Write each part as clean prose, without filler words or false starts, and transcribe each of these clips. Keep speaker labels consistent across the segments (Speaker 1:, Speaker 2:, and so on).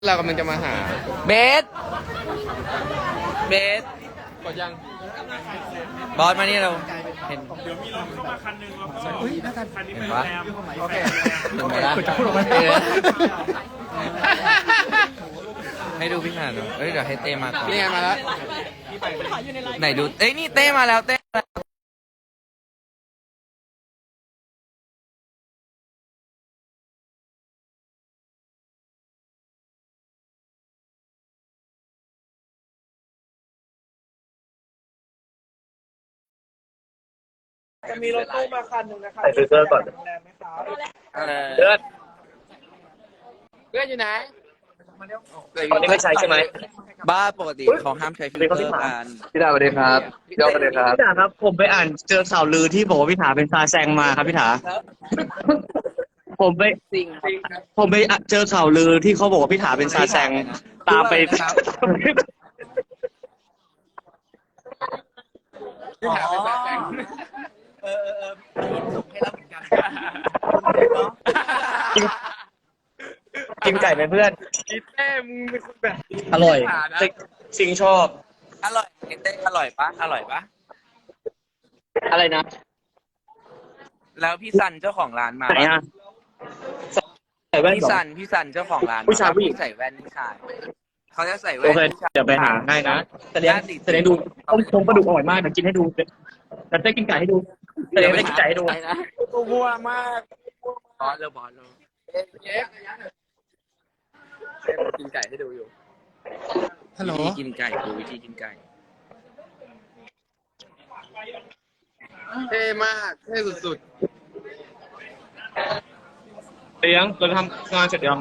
Speaker 1: เรากำลังจะมาหา
Speaker 2: เบสเบส
Speaker 1: กดยัง
Speaker 2: บอสมานี่เราเห็น
Speaker 3: เดี๋ยวมีรถเข้ามาคันหนึงแล้วก็คันนี้เป็นโร
Speaker 2: วะ
Speaker 3: งแรม
Speaker 1: โอเค
Speaker 2: ถึงเวลา
Speaker 1: จะพูดออกมา
Speaker 2: ให้ดูพี่หาหน่อยเอ้ยเดี๋ยวให้เต้มาก่อน
Speaker 1: นี่ไงมาแล้ว
Speaker 2: ไหนดูเอ้ยนี่เต้มาแล้วเต้มาแล้ว
Speaker 3: จะมีรถตู้มาคันหนึงนะครับ
Speaker 4: ใส่ฟิลเตอร์ก่อน
Speaker 3: โรงแรมไหมครับ
Speaker 4: เลือด
Speaker 1: เพื่อนอยู่ไหน
Speaker 4: ตอนนี้ไม่ใช้ใช่ไหม
Speaker 2: บ้าปกติเขาห้ามใช้ฟิลเตอร์กัน
Speaker 4: พี่ดาสวัสดีครับพี่ดาสวัสดีครับพี่ดาครับ ผมไปอ่านเจอข่าวลือที่บอกว่าพี่ถาเป็นซาแซงมาครับพี่ถาผมไปผมไปเจอข่าวลือที่เขาบอกว่าพี่ถาเป็นซาแซงตามไป
Speaker 1: ที่หาเป็นแบบแสง
Speaker 2: ส่งให้เราเหมือนกัน
Speaker 4: กินไก่ไหมเพื่อน
Speaker 1: อีเต้มึงเป็นคนแบบ
Speaker 4: อร่อย
Speaker 1: หานะ
Speaker 4: ซิงชอบ
Speaker 2: อร่อยเต้อร่อยปะอร่อยปะ
Speaker 4: อะไรนะ
Speaker 2: แล้วพี่ซันเจ้าของร้านมา
Speaker 4: ไหนอ่ะใส่แว่น
Speaker 2: พี่
Speaker 4: เหรอ
Speaker 2: ซันเจ้าของร้าน
Speaker 4: ผู้ชายผู้หญิง
Speaker 2: ใส่แว่นผู้ชายเขาจะใส่แว่
Speaker 4: โอน เค
Speaker 2: ผู้ชาย
Speaker 4: เดี๋ยวไปหาให้นะแต่เลี้ยงแต่เลี้ยงดูต้มโครงปลาดุกอร่อยมากเดี๋ยวกินให้ดูแต่ได้กินไก่ให้ดูแต่เลี้ยงไม่ได้กินไก่ให้ดู
Speaker 2: ไปนะ
Speaker 1: กูมั่วมาก
Speaker 2: บอสเลยบอสเลย
Speaker 1: เจ๊กินไก่ให้ดูอยู่
Speaker 2: ฮัลโหลวิธีกินไก่ดูวิธีกินไก่
Speaker 1: เท่มากเท่สุด
Speaker 4: เลี้ยงเราทำงานเสร็จยัง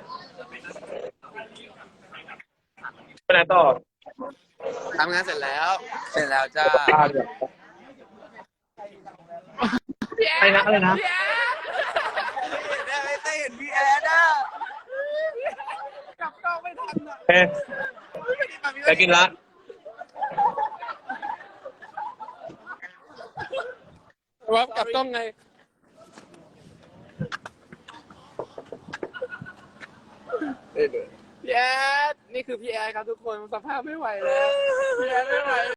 Speaker 4: ไปไหนต่อ
Speaker 1: ๆทำงานเสร็จแล้ว
Speaker 2: เสร็จแล้วจ้า
Speaker 4: อะไรนะอะไรนะ
Speaker 2: ไม่ได้เห็นพี่แอนอ่ะ
Speaker 1: กลับกล้องไม่ทันอ่ะ
Speaker 4: เฮ้ยไปกินละ
Speaker 1: ว่ากลับกล้องไงพี่แอดนี่คือพี่แอดครับทุกคนสภาพไม่ไหวแล้วพี่แอดไม่ไหว